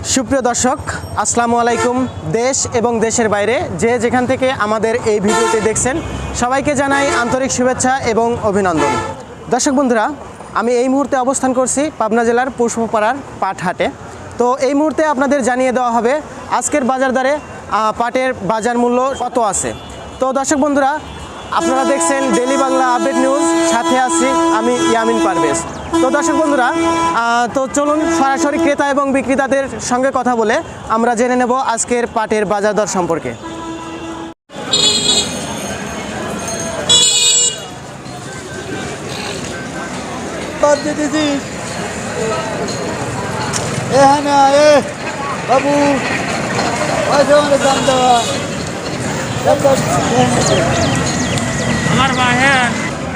সুপ্রিয় দর্শক, আসসালামু আলাইকুম। দেশ এবং দেশের বাইরে যে যেখান থেকে আমাদের এই ভিডিওটি দেখছেন সবাইকে জানাই আন্তরিক শুভেচ্ছা এবং অভিনন্দন। দর্শক বন্ধুরা, আমি এই মুহূর্তে অবস্থান করছি পাবনা জেলার পুষ্পপাড়ার পাট হাটে। তো এই মুহূর্তে আপনাদের জানিয়ে দেওয়া হবে আজকের বাজার দরে পাটের বাজার মূল্য কত আছে। তো দর্শক বন্ধুরা, আপনারা দেখছেন ডেইলি বাংলা আপডেট নিউজ, সাথে আছি আমি ইয়ামিন পারভেজ। তো দর্শক বন্ধুরা, তো চলুন সরাসরি ক্রেতা এবং বিক্রেতাদের সঙ্গে কথা বলে আমরা জেনে নেব আজকের পাটের বাজার দর সম্পর্কে। বাবু আমার বাহের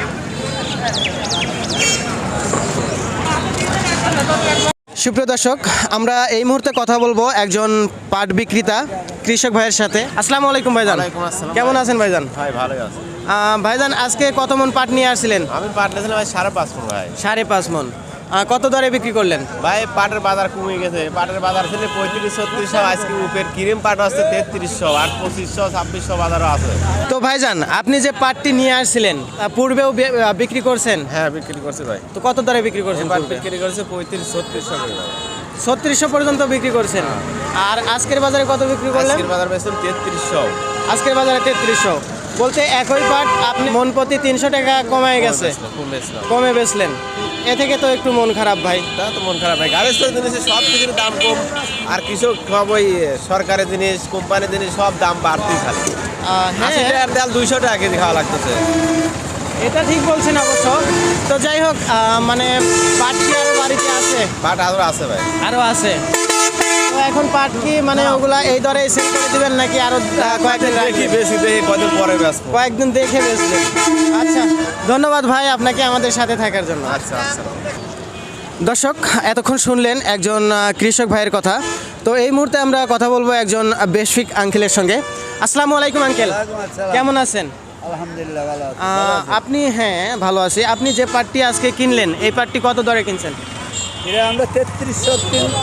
সুপ্রিয় দর্শক, আমরা এই মুহূর্তে কথা বলবো একজন পাট বিক্রেতা কৃষক ভাইয়ের সাথে। আসসালামু আলাইকুম ভাইজান। ওয়ালাইকুম আসসালাম। কেমন আছেন ভাইজান? ভাই ভালোই আছে। ভাইজান, আজকে কত মন পাট নিয়ে আসছিলেন? আমি পাট নিয়েছিলাম ভাই 5.5 মণ ভাই। 5.5 মন। কত দরে বিক্রি করলেন? ভাই পাটের বাজার কমে গেছে। পাটের বাজার ছিল 35-36, আজকে উপের ক্রিম পাট আছে 3300 আর 2500-2600 বাজারও আছে। তো ভাইজান, আপনি যে পাটটি নিয়ে আসছিলেন পূর্বেও বিক্রি করছেন? হ্যাঁ, বিক্রি করছে ভাই। তো কত দরে বিক্রি করছেন? পাট বিক্রি করছে 35-3600 করে ভাই। 3600 পর্যন্ত বিক্রি করছেন। আর আজকের বাজারে কত বিক্রি করলেন? আজকের বাজার বেচছেন 3300। আজকের বাজারে 3300 বলতে একই পাট আপনি মন প্রতি 300 টাকা কমে গেছে, কমে বেচলেন। এ থেকে তো একটু মন খারাপ ভাই। তা তো মন খারাপ ভাই। গাড়ির জিনিসের সব কিছুর দাম কম, আর কৃষক সব ওই সরকারের জিনিস, কোম্পানির জিনিস সব দাম বাড়তেই খালি। হ্যাঁ, 80 টাকার ডাল 200 টাকা কেজি খাওয়া লাগতেছে। এটা ঠিক বলছেন অবশ্য। তো যাই হোক, মানে পাট কি আরো বাড়িতে আছে? পাট আরো আছে ভাই, আরো আছে। তো এখন পাট কি মানে ওগুলা এই দরে সেল করে দিবেন নাকি আরো কয়েকদিন দেখি বেশি দেখি কদিন পরে বেচবো। কয়েকদিন দেখে বেচবেন? আচ্ছা, ধন্যবাদ ভাই আপনাকে আমাদের সাথে থাকার জন্য। আচ্ছা আচ্ছা। দর্শক, এতক্ষণ শুনলেন একজন কৃষক ভাইয়ের কথা। তো এই মুহূর্তে আমরা কথা বলবো একজন বেশফিক আঙ্কেলের সঙ্গে। আসসালামু আলাইকুম আঙ্কেল, কেমন আছেন? আলহামদুলিল্লাহ ভালো আছি। আপনি? হ্যাঁ, ভালো আছি। আপনি যে পাটটি আজকে কিনলেন, এই পাটটি কত দরে কিনছেন? এটা আমরা 3300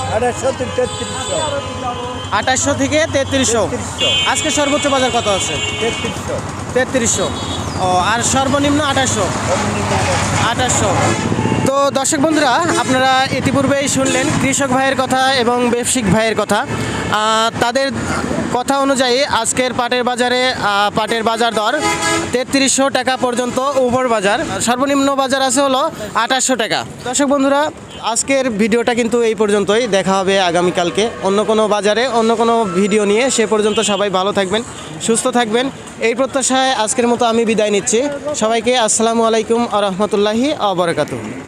2800 থেকে 3300। আজকে সর্বোচ্চ বাজার কত আছে? 3300। ও, আর সর্বনিম্ন 2800। তো দর্শক বন্ধুরা, আপনারা ইতিপূর্বেই শুনলেন কৃষক ভাইয়ের কথা এবং ব্যবসায়িক ভাইয়ের কথা। তাদের কথা অনুযায়ী আজকের পাটের বাজারে পাটের বাজার দর 3300 টাকা পর্যন্ত উপর বাজার, সর্বনিম্ন বাজার আছে হলো 2800 টাকা। দর্শক বন্ধুরা, আজকের ভিডিওটা কিন্তু এই পর্যন্তই। দেখা হবে আগামীকালকে অন্য কোনো বাজারে অন্য কোনো ভিডিও নিয়ে। সে পর্যন্ত সবাই ভালো থাকবেন, সুস্থ থাকবেন, এই প্রত্যাশায় আজকের মতো আমি বিদায় নিচ্ছি। সবাইকে আসসালামু আলাইকুম আ রহমতুল্লাহি আ বারাকাতুহু।